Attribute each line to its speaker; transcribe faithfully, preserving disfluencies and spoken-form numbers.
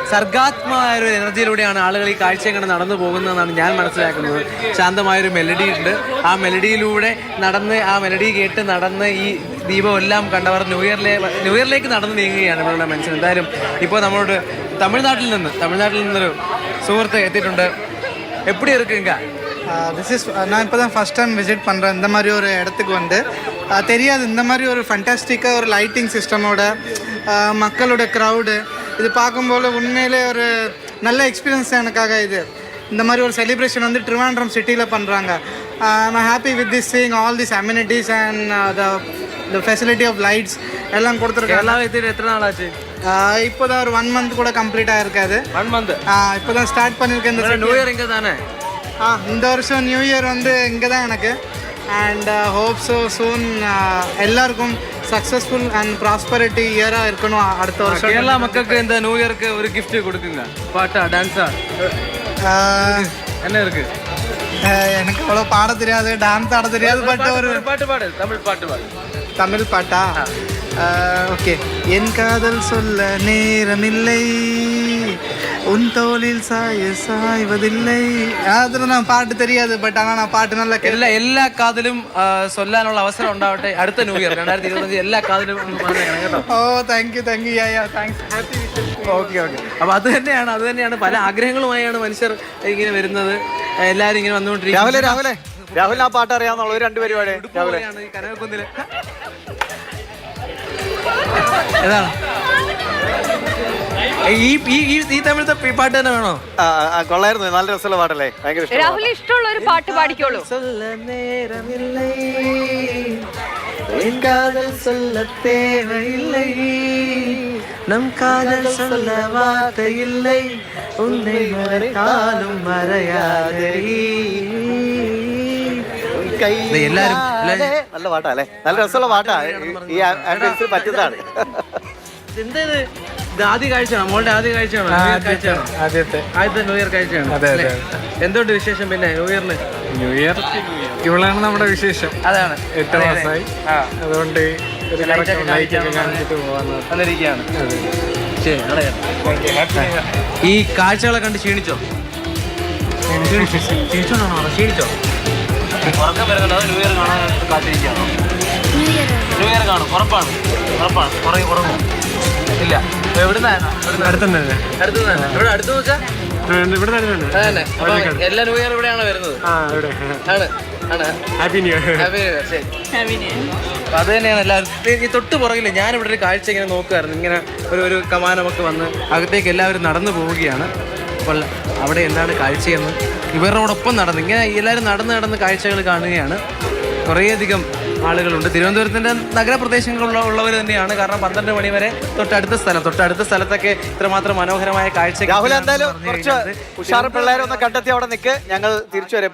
Speaker 1: സർഗാത്മകമായ ഒരു എനർജിയിലൂടെയാണ് ആളുകൾ ഈ കാഴ്ച കണ്ട് നടന്നു പോകുന്നതെന്നാണ് ഞാൻ മനസ്സിലാക്കുന്നത്. ശാന്തമായൊരു മെലഡി ഉണ്ട്. ആ മെലഡിയിലൂടെ നടന്ന് ആ മെലഡി കേട്ട് നടന്ന് ഈ ദീപം എല്ലാം കണ്ടവർ ന്യൂ ഇയറിലെ ന്യൂ ഇയറിലേക്ക് നടന്ന് നീങ്ങുകയാണ് ഇവരുടെ മനസ്സിൽ. എന്തായാലും ഇപ്പോൾ നമ്മളോട് തമിഴ്നാട്ടിൽ നിന്ന് തമിഴ്നാട്ടിൽ നിന്നൊരു സുഹൃത്ത് എത്തിയിട്ടുണ്ട്. எப்படி இருக்குங்க?
Speaker 2: திஸ் இஸ் நான் இப்போ தான் ஃபஸ்ட் டைம் விசிட் பண்ணுறேன் இந்த மாதிரி ஒரு இடத்துக்கு வந்து. தெரியாது இந்த மாதிரி ஒரு ஃபண்டாஸ்டிக்காக ஒரு லைட்டிங் சிஸ்டமோட மக்களோட க்ரௌடு இது பார்க்கும்போது உண்மையிலே ஒரு நல்ல எக்ஸ்பீரியன்ஸ் எனக்காக. இது இந்த மாதிரி ஒரு செலிப்ரேஷன் வந்து ட்ரிவாண்ட்ரம் சிட்டியில் பண்ணுறாங்க. I'm happy with this seeing all this amenities and the the facility of lights எல்லாம் கொடுத்துருக்காங்க.
Speaker 1: எல்லாம் எத்தனை எத்தனை நாள் ஆச்சு?
Speaker 2: இப்போ தான் ஒரு ஒன் மந்த் கூட கம்ப்ளீட் ஆகிருக்காது.
Speaker 1: ஒன் மந்த்
Speaker 2: இப்போ தான் ஸ்டார்ட் பண்ணியிருக்கேன். இந்த
Speaker 1: நியூ இயர் இங்கே தானே?
Speaker 2: ஆ இந்த வருஷம் நியூ இயர் வந்து இங்கே தான் எனக்கு. அண்ட் ஹோப் ஸோ சூன் எல்லாருக்கும் சக்ஸஸ்ஃபுல் அண்ட் ப்ராஸ்பரிட்டி இயராக இருக்கணும் அடுத்த வருஷம்.
Speaker 1: கேரளா மக்களுக்கு இந்த நியூ இயருக்கு ஒரு கிஃப்ட் கொடுக்குங்க. பாட்டா டான்ஸா என்ன இருக்கு?
Speaker 2: எனக்கு அவ்வளோ பாட தெரியாது, டான்ஸ் ஆட தெரியாது. பட் ஒரு
Speaker 1: பாட்டு பாடு, தமிழ் பாட்டு பாடு.
Speaker 2: தமிழ் பாட்டா? ஓகே. என் காதல் சொல்ல நேரமில்லை, உன் தோளில் சாய சாய்வதில்லை. അതിന് ഞാൻ പാട്ട് தெரியாது. ബട്ട് ஆனால் நான் പാട്ട് നല്ല
Speaker 1: എല്ലാ എല്ലാ കാതിലും ചൊല്ലാനുള്ള അവസരം ഉണ്ടാവട്ടെ അടുത്ത ന്യൂ ഇയർ രണ്ടായിരത്തി ഇരുപത്തഞ്ച്. എല്ലാ കാതിലും കേട്ടോ.
Speaker 2: Oh thank you thank you yeah yeah thanks. Happy
Speaker 1: okay okay. അപ്പോൾ അത് തന്നെയാണ് അത് തന്നെയാണ് പല ആഗ്രഹങ്ങളുമായാണ് മനുഷ്യർ ഇങ്ങനെ വരുന്നത്. എല്ലാവരും ഇങ്ങനെ വന്നുകൊണ്ടിരിക്കും.
Speaker 3: രാവിലെ രാവിലെ രാഹുൽ ആ പാട്ട് അറിയാവുന്ന ഒരു രണ്ട് പരിപാടി രാവിലെ
Speaker 1: കനകക്കുന്നില് ഏതാണ് ഈ ഈ തമിഴത്തെ പാട്ട് തന്നെ വേണോ?
Speaker 3: കൊള്ളായിരുന്നു, നല്ല രസമുള്ള പാട്ടല്ലേ? ഭയങ്കര ഇഷ്ടം.
Speaker 4: രാഹുൽ ഇഷ്ടമുള്ള ഒരു പാട്ട് പാടിക്കോളൂ.
Speaker 1: நம் காதல் சொல்ல வார்த்தை இல்லை, உன்னை மறைத்தாலும் மறையாதடி. എല്ലാരും
Speaker 3: നല്ല പാട്ടാ അല്ലേ? നല്ല രസമുള്ള പാട്ടാ. ഈ ആംബിയൻസിൽ പറ്റുന്നതാണ്.
Speaker 1: എന്തത്? ഇത് ആദ്യ കാഴ്ചയാണോ? മോളുടെ ആദ്യ കാഴ്ചയാണോ? കാഴ്ചയാണോ?
Speaker 2: ആദ്യത്തെ
Speaker 1: ആദ്യത്തെ ന്യൂ ഇയർ കാഴ്ചയാണോ?
Speaker 2: അതെ അതെ.
Speaker 1: എന്തുകൊണ്ട് വിശേഷം പിന്നെ ന്യൂ ഇയറിന്?
Speaker 2: ന്യൂ ഇയർ ഇവളാണ് നമ്മുടെ വിശേഷം.
Speaker 1: അതാണ്
Speaker 2: എട്ട് മാസമായി. അതുകൊണ്ട്
Speaker 1: വന്നിരിക്കുകയാണ്. ഈ കാഴ്ചകളെ കണ്ട് ക്ഷീണിച്ചോ? ക്ഷീണിച്ചോണോ? ക്ഷീണിച്ചോ? ഉറക്കം വരുന്നുണ്ട്. അത് ന്യൂ ഇയർ കാണാൻ കാത്തിരിക്കുകയാണോ? ന്യൂ ഇയർ കാണും. ഉറപ്പാണ് ഉറപ്പാണ് ഉറങ്ങി ഉറങ്ങും ഇല്ല. എവിടുന്നാണ്?
Speaker 2: അടുത്തന്നെ
Speaker 1: അടുത്തുനിന്നാണ്. ഇവിടെ അടുത്ത് വെച്ചാൽ
Speaker 2: ഇവിടെ തന്നെ.
Speaker 1: അതന്നെ. അപ്പൊ എല്ലാ ന്യൂ ഇയർ ഇവിടെയാണ് വരുന്നത്. ആണ് ആണ്.
Speaker 2: Happy new year.
Speaker 1: Happy new year. ശരി. അപ്പൊ അത് തന്നെയാണ് എല്ലാവരും. ഈ തൊട്ട് പുറകില്ല ഞാനിവിടെ ഒരു കാഴ്ച ഇങ്ങനെ നോക്കുമായിരുന്നു. ഇങ്ങനെ ഒരു ഒരു കമാനമൊക്കെ വന്ന് അകത്തേക്ക് എല്ലാവരും നടന്നു പോവുകയാണ്. അപ്പോൾ അവിടെ എന്താണ് കാഴ്ചയെന്ന് ഇവരോടൊപ്പം നടന്ന് ഇങ്ങനെ എല്ലാവരും നടന്ന് നടന്ന് കാഴ്ചകൾ കാണുകയാണ്. കുറേയധികം ആളുകളുണ്ട്. തിരുവനന്തപുരത്തിൻ്റെ നഗരപ്രദേശങ്ങളിലുള്ള ഉള്ളവർ തന്നെയാണ്. കാരണം പന്ത്രണ്ട് മണി വരെ തൊട്ടടുത്ത സ്ഥലം തൊട്ടടുത്ത സ്ഥലത്തൊക്കെ ഇത്രമാത്രം മനോഹരമായ കാഴ്ച.
Speaker 3: രാഹുൽ എന്തായാലും കുറച്ച് ഉഷാർ പിള്ളേരൊന്ന് കണ്ടെത്തി അവിടെ നിൽക്ക്. ഞങ്ങൾ തിരിച്ചു വരെ